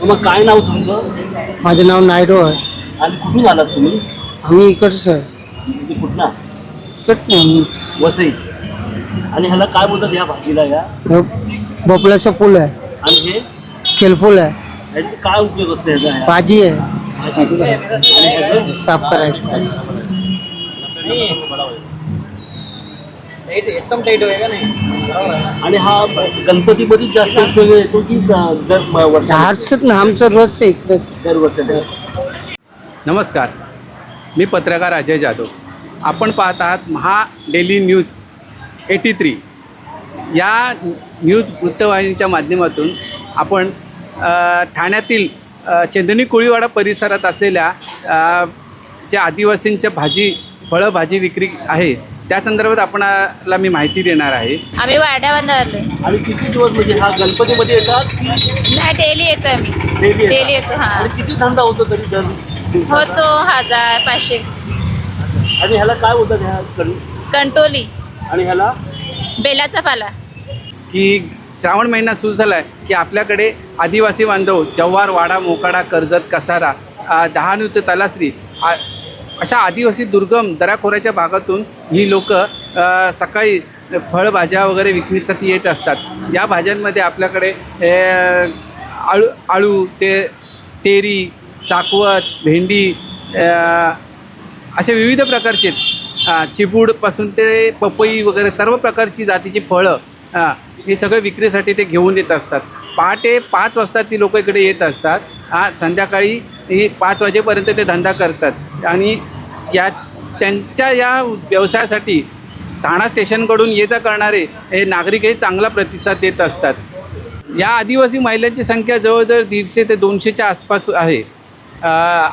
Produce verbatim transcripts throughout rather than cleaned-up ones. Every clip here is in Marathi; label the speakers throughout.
Speaker 1: मग काय नाव तुमचं?
Speaker 2: माझं नाव नायडू आहे.
Speaker 1: आणि कुठून आलात तुम्ही?
Speaker 2: आम्ही इकडचं आहे.
Speaker 1: म्हणजे कुठला?
Speaker 2: इकडचं आहे आम्ही.
Speaker 1: वसई. आणि ह्याला काय बोलतात या भाजीला या?
Speaker 2: हे भोपळ्याचा पूल आहे,
Speaker 1: आणि हे
Speaker 2: खेलपूल आहे,
Speaker 1: ह्याचे काय उपयोग असतो ह्याचा ह्या?
Speaker 2: भाजी आहे,
Speaker 1: भाजी. आणि ह्याचं?
Speaker 2: साफ करायचं.
Speaker 3: एकदम टाईट होईल का नाही.
Speaker 1: आणि हा गणपतीमध्ये जास्त उपयोग येतो की स- दर म- वर्षाला?
Speaker 2: झाडच ना आमचं रोजचं इकडंच.
Speaker 1: दरवर्षाला?
Speaker 4: नमस्कार, मी पत्रकार अजय जाधव. आपण पाहत आहात Maha daily news AT three या न्यूज वृत्तवाहिनीच्या माध्यमातून आपण अ, ठाण्यातील अ, चंदनी कोळीवाडा परिसरात असलेल्या अ, ज्या आदिवासींच्या भाजी फळं भाजी विक्री आहे त्या संदर्भात आपणाला मी माहिती देणार आहे.
Speaker 5: आम्ही वाड्यावर आलोय.
Speaker 1: आणि किती दिवस म्हणजे हा गणपतीमध्ये येतात की
Speaker 5: नाही, डेली येतो आम्ही.
Speaker 1: डेली येतात?
Speaker 5: डेली येतो, हा.
Speaker 1: आणि किती धंदा होतो तरी दर दिवसाचा?
Speaker 5: होतो हजार पाचशे.
Speaker 1: आणि ह्याला काय बोलतात ह्या कण-
Speaker 5: कंटोली,
Speaker 1: आणि ह्याला?
Speaker 5: बेलाचा पाला.
Speaker 4: की श्रावण महिना सुरू झाला आहे की आपल्याकडे आदिवासी बांधव जव्हार, वाडा, मोकाडा, कर्जत, कसारा, अ, डहाणू ते तलासरी आ- अशा आदिवासी दुर्गम दऱ्याखोऱ्याच्या भागातून ही लोक सकाळी फळभाज्या वगैरे विक्रीसाठी येत असतात. या भाज्यांमध्ये आपल्याकडे ए, आळू आळू ते तेरी, चाकवत, भेंडी, अ, असे विविध प्रकारचे अ, चिबूडपासून ते पपई वगैरे सर्व प्रकारची जातीची फळं अ, हे सगळं विक्रीसाठी ते घेऊन येत असतात. पहाटे पाच वाजता ती लोक इकडे येत असतात. हा, संध्याकाळी हे पाच वाजेपर्यंत ते धंदा करतात. आणि या त्यांच्या या व्यवसायासाठी ठाणा स्टेशनकडून ये जा करणारे हे नागरिकही चांगला प्रतिसाद देत असतात. या आदिवासी महिलांची संख्या जवळजवळ दीडशे ते दोनशेच्या आसपास आहे. अ,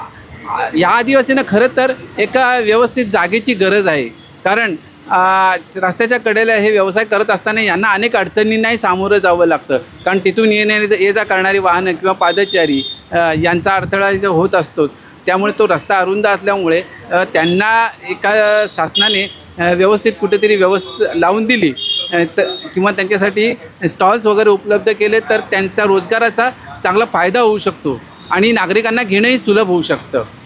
Speaker 4: या आदिवासींना खरं तर एका व्यवस्थित जागेची गरज आहे. कारण अ, रस्त्याच्या कडेला हे व्यवसाय करत असताना यांना अनेक अडचणींनाही सामोरं जावं लागतं. कारण तिथून येणारी ये जा करणारी वाहनं किंवा पादचारी अ, यांचा अडथळा इथं होत असतो. त्यामुळे तो रस्ता अरुंद असल्यामुळे अ, त्यांना एका शासनाने अ, व्यवस्थित कुठेतरी व्यवस्था लावून दिली अ, तर किंवा त्यांच्यासाठी स्टॉल्स वगैरे उपलब्ध केले तर त्यांचा रोजगाराचा चांगला फायदा होऊ शकतो आणि नागरिकांना घेणंही सुलभ होऊ शकतं.